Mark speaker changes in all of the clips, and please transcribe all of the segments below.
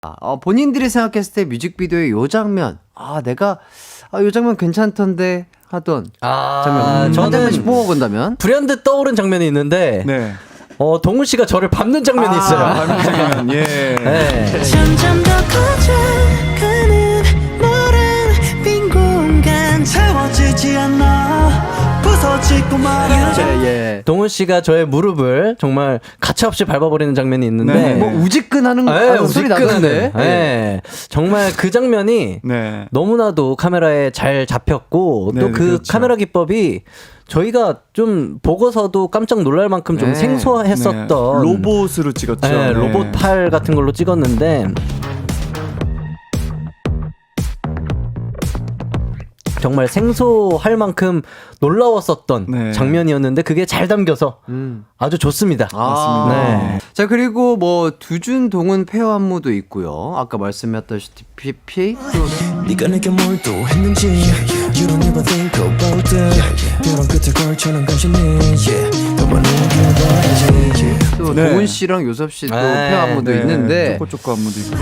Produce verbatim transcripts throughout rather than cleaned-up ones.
Speaker 1: 어, 본인들이 생각했을 때 뮤직비디오의 요 장면, 아 내가 아, 요 장면 괜찮던데 하던
Speaker 2: 아,
Speaker 1: 장면. 음,
Speaker 2: 저는
Speaker 1: 장면씩 뽑아본다면
Speaker 2: 불현듯 떠오른 장면이 있는데
Speaker 3: 네.
Speaker 2: 어, 동훈 씨가 저를 밟는 장면이 있어요.
Speaker 3: 아, 밟는 장면. 예.
Speaker 2: 네.
Speaker 4: 점점 더 커져가는 너란 빈 공간 채워지지 않아 부서지고 말아.
Speaker 1: 예, 예.
Speaker 2: 동훈 씨가 저의 무릎을 정말 가차없이 밟아버리는 장면이 있는데
Speaker 3: 네.
Speaker 1: 뭐 우지끈하는
Speaker 2: 네,
Speaker 1: 아, 소리 나던데.
Speaker 2: 네. 정말 그 장면이
Speaker 3: 네.
Speaker 2: 너무나도 카메라에 잘 잡혔고
Speaker 3: 네,
Speaker 2: 또 그
Speaker 3: 그렇죠.
Speaker 2: 카메라 기법이 저희가 좀 보고서도 깜짝 놀랄 만큼 좀
Speaker 1: 네.
Speaker 2: 생소했었던
Speaker 3: 네. 로봇으로 찍었죠.
Speaker 2: 네,
Speaker 3: 네.
Speaker 2: 로봇 팔 같은 걸로 찍었는데 정말 생소할 만큼 놀라웠었던
Speaker 3: 네.
Speaker 2: 장면이었는데 그게 잘 담겨서
Speaker 1: 음.
Speaker 2: 아주 좋습니다.
Speaker 1: 아,
Speaker 2: 네.
Speaker 1: 자 그리고 뭐 두준 동은 페어 안무도 있고요. 아까 말씀하셨다시피 또
Speaker 5: 네가 내게 뭘 또 했는지 You don't ever think about that 벼랑 끝에 걸쳐난 간신히 yeah. 너만 웃겨봐야지
Speaker 1: 또
Speaker 3: 네.
Speaker 1: 동훈 씨랑 요섭 씨도
Speaker 2: 네.
Speaker 1: 페어 안무도
Speaker 3: 네.
Speaker 1: 있는데
Speaker 3: 쪼꼬쪼꼬 안무도 있고.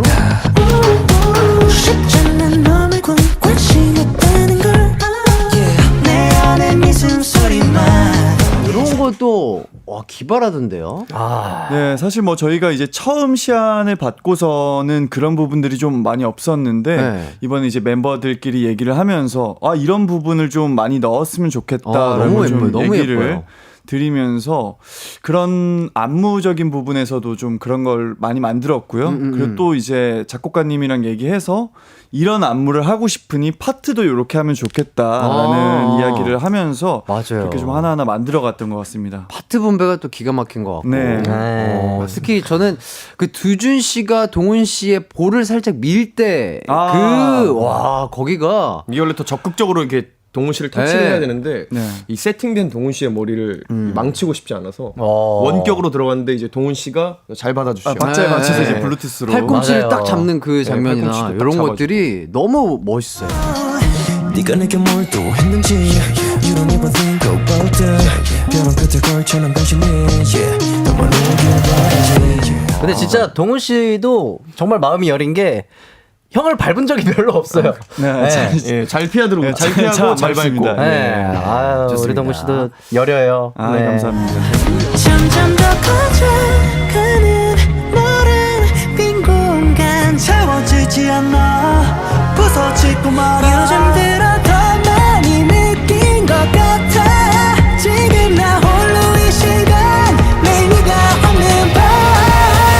Speaker 4: 쉽잖아 너를 관- 관심없다는 걸 yeah. 내 안에 네 숨소리만
Speaker 1: 이런 것도 와 기발하던데요.
Speaker 2: 아,
Speaker 3: 네, 사실 뭐 저희가 이제 처음 시안을 받고서는 그런 부분들이 좀 많이 없었는데
Speaker 1: 네.
Speaker 3: 이번에 이제 멤버들끼리 얘기를 하면서 아 이런 부분을 좀 많이 넣었으면
Speaker 1: 아,
Speaker 3: 좋겠다라고
Speaker 1: 너무
Speaker 3: 좀
Speaker 1: 예뻐요. 너무
Speaker 3: 얘기를
Speaker 1: 예뻐요.
Speaker 3: 드리면서 그런 안무적인 부분에서도 좀 그런 걸 많이 만들었고요.
Speaker 1: 음, 음,
Speaker 3: 그리고
Speaker 1: 음.
Speaker 3: 또 이제 작곡가님이랑 얘기해서 이런 안무를 하고 싶으니 파트도 이렇게 하면 좋겠다라는
Speaker 1: 아.
Speaker 3: 이야기를 하면서
Speaker 1: 맞아요.
Speaker 3: 그렇게 좀 하나하나 만들어갔던 것 같습니다.
Speaker 1: 파트 분배가 또 기가 막힌 것 같고.
Speaker 3: 네.
Speaker 1: 어, 특히 저는 그 두준 씨가 동훈 씨의 볼을 살짝 밀 때 그
Speaker 3: 아.
Speaker 1: 와 거기가
Speaker 6: 이게 원래 더 적극적으로 이렇게 동훈 씨를 터치를
Speaker 1: 네.
Speaker 6: 해야 되는데
Speaker 3: 네.
Speaker 6: 이 세팅된 동훈 씨의 머리를 망치고 싶지 않아서
Speaker 2: 어.
Speaker 6: 원격으로 들어갔는데 이제 동훈 씨가 잘 받아주시죠.
Speaker 3: 아, 박자에
Speaker 1: 네.
Speaker 3: 맞춰서 이제
Speaker 6: 네.
Speaker 3: 블루투스로
Speaker 1: 팔꿈치를
Speaker 2: 맞아요.
Speaker 1: 딱 잡는 그 장면이나
Speaker 6: 팔꿈치도 딱
Speaker 1: 이런
Speaker 6: 잡아주고.
Speaker 1: 것들이 너무 멋있어요.
Speaker 5: 네가 내게 뭘 또 했는지 You don't ever think about that 벼랑 끝에 걸쳐난 간신히 yeah. 너만 웃겨봐야지
Speaker 2: 근데 진짜 동훈 씨도 정말 마음이 여린 게 형을 밟은 적이 별로 없어요.
Speaker 3: 네, 잘,
Speaker 6: 예, 잘 피하도록
Speaker 3: 네,
Speaker 6: 잘 피하고
Speaker 3: 잘
Speaker 6: 잘 밟고.
Speaker 3: 밟습니다.
Speaker 2: 네.
Speaker 3: 네.
Speaker 2: 아유, 우리
Speaker 1: 좋습니다.
Speaker 2: 동훈 씨도 여려요.
Speaker 3: 아,
Speaker 2: 네.
Speaker 3: 감사합니다.
Speaker 4: 점점 더 커져가는 너란 빈 공간 채워지지 않아 부서지고 말아